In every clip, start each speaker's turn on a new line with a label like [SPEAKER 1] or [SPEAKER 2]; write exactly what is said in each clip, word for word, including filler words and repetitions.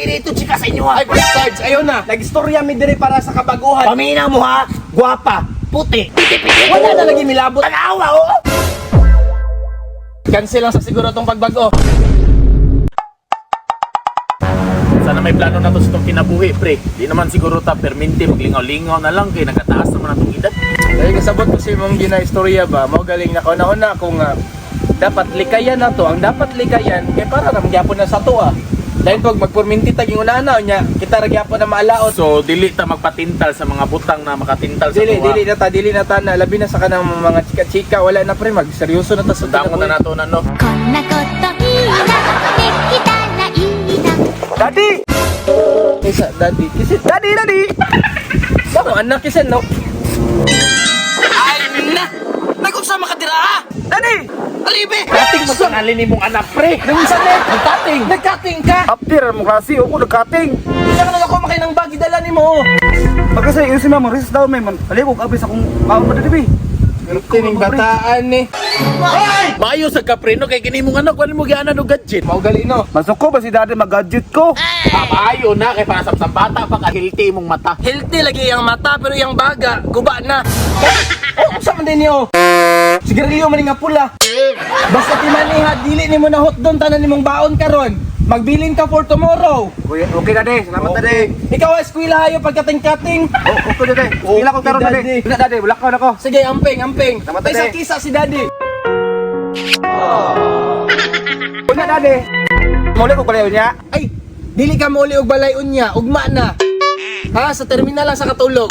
[SPEAKER 1] irito chika sa inyo ha.
[SPEAKER 2] Ay, Sarge, ayun na. Nag-istorya mi dire para sa kabaguhan.
[SPEAKER 1] Paminaw mo ha, guwapa, puti, piti-piti.
[SPEAKER 2] Wala na lagi milabot.
[SPEAKER 1] Tanawa oh.
[SPEAKER 2] Cancel lang sa siguro tong pagbago.
[SPEAKER 3] Sana may plano na to sa itong kinabuhi, pre. Di naman siguro ta perminti maglingaw-lingaw na lang kay nagataas naman ang itong edad.
[SPEAKER 2] Dahil kasabot ko si mong gina-istorya ba, mao galing na ko na kung uh, dapat likayan na to. Ang dapat likayan, kay para ramgyapon na sa to ah. Dahil pag magpurminti taging unana nya, kita ragyapon na maalaot.
[SPEAKER 3] So, dili ta magpatintal sa mga butang na makatintal sa
[SPEAKER 2] Dili,
[SPEAKER 3] tuwa.
[SPEAKER 2] dili na ta, dili na ta na, labi na sa kanang mga chika-chika, wala na pre, mag seryoso na ta sa
[SPEAKER 3] Sundang mo na nato na, no?
[SPEAKER 4] こんなこといいなできたらいいな
[SPEAKER 2] Daddy! Isa, daddy, kisin, daddy, daddy! Saan anak kisin, no?
[SPEAKER 1] Ay, na! Nag-unsa makatira ha?
[SPEAKER 2] Daddy!
[SPEAKER 1] Alibe!
[SPEAKER 3] Kating mo sa nalini mong anak, pre!
[SPEAKER 2] Nung isa net, nagkating! Nagkating ka!
[SPEAKER 5] After mo klase, ako nagkating.
[SPEAKER 2] Hindi ka na ako makay ng bagi dala ni mo!
[SPEAKER 5] Pagkasay, yun si mama, resist daw may man. Alikog, abis akong maon pa dito,
[SPEAKER 2] Tining bataan ni.
[SPEAKER 3] Maayo sa kapreno kay kini mong anak, wala mo giana no gadget.
[SPEAKER 2] Mau gali no.
[SPEAKER 5] Masok ko ba si daddy mag-gadget ko?
[SPEAKER 3] Ah, maayo na kay para sa sa bata pa ka healthy mong mata.
[SPEAKER 2] Healthy lagi yung mata pero yung baga, guba na. Oh, sa man din niyo. Sigarilyo man nga pula. Basta timaniha, dili nimo na hot doon tanan nimong baon karon. Magbilin ka for tomorrow.
[SPEAKER 5] Okay, okay daddy, salamat daddy.
[SPEAKER 2] Ikaw ay eskwela hayo pagkating-kating.
[SPEAKER 5] Oh, okay daddy. Sila ko karon
[SPEAKER 2] Okay,
[SPEAKER 5] daddy.
[SPEAKER 2] daddy.
[SPEAKER 5] Wala daddy, wala ka na ko.
[SPEAKER 2] Sige, amping, amping.
[SPEAKER 5] Salamat,
[SPEAKER 2] May
[SPEAKER 5] Daddy.
[SPEAKER 2] sa kisa si daddy.
[SPEAKER 5] Wala daddy. Muli ko kalayo niya.
[SPEAKER 2] Ay, dili ka muli og balay unya, ugma na. Ha, sa terminal lang sa katulog.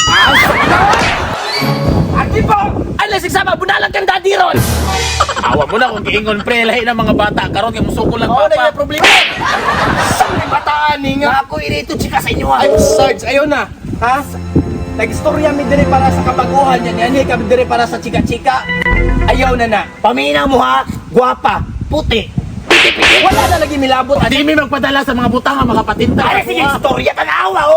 [SPEAKER 1] Ati po! Ay, lasig sama, bunalag kang daddy ron!
[SPEAKER 3] Awa mo na kung giingon pre lahi ng mga bata karon kay musuko lang
[SPEAKER 2] Oo, na
[SPEAKER 3] papa.
[SPEAKER 2] yung problema. Sa may bataan ni nga.
[SPEAKER 1] Nga ako irito chika sa inyo ha.
[SPEAKER 2] Ay, Sarge, ayun na. Ha? Nag-istorya mi dire para sa kabaguhan yan. Yan, kami dire para sa chika-chika. Ayaw na na.
[SPEAKER 1] Paminaw mo ha, guwapa, puti, piti-piti.
[SPEAKER 2] Wala na lagi milabot.
[SPEAKER 3] Di mi magpadala sa mga butang nga makapatintal.
[SPEAKER 1] Ay, sige, istorya, tanawa oh!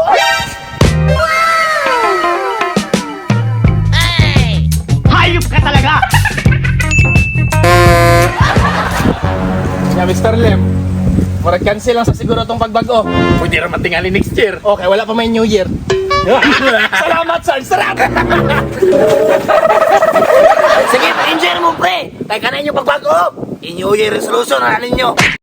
[SPEAKER 1] Hayop ka talaga!
[SPEAKER 2] Yeah, Mister Lem. Murag cancel lang sa siguro tong pagbago.
[SPEAKER 3] Pwede ra matingali next year.
[SPEAKER 2] Okay, wala pa may New Year. Salamat, Sarge. Salamat.
[SPEAKER 1] Sige, pa-enjoy mo pre! Kaya ka na inyong pagbago! Inyo yung resolution na ninyo!